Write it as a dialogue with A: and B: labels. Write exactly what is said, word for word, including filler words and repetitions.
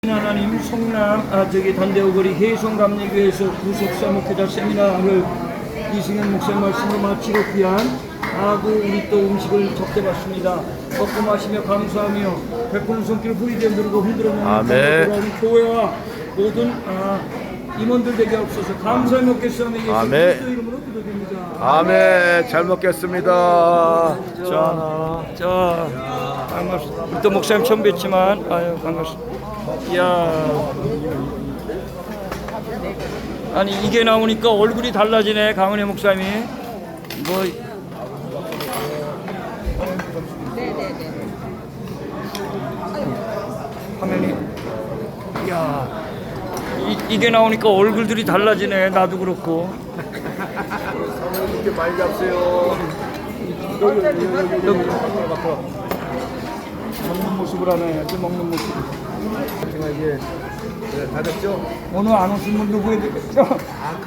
A: 하나님 성남 아 저기 단대오거리 해성감리교회에서 구속사목회자 세미나를 이승현 목사님 말씀으로 마치고 귀한 아그 우리 또 음식을 접대받습니다. 먹고 마시며 감사하며 베푸는 손길을 부리게 누르고 흔들어내는
B: 아멘.
A: 교회와 모든 아, 임원들 되게 없어서 감사히 먹겠사오며 예수
B: 아멘.
A: 그리스도 이름으로 기도드립니다.
B: 아멘. 잘 먹겠습니다.
A: 자, 자, 반갑습니다. 우리 또 목사님 처음 뵙지만 아유 반갑습니다. 이야, 아니 이게 나오니까 얼굴이 달라지네. 강은혜 목사님이 뭐 화면이 이야 이, 이게 나오니까 얼굴들이 달라지네. 나도 그렇고.
B: 이렇게 많이 잡세요.
A: 여기 여기 여기 여기 먹는 모습을 하네. 이렇게 먹는 모습.
B: 제가 이제 다 됐죠?
A: 오늘 안 오신 분 누구에게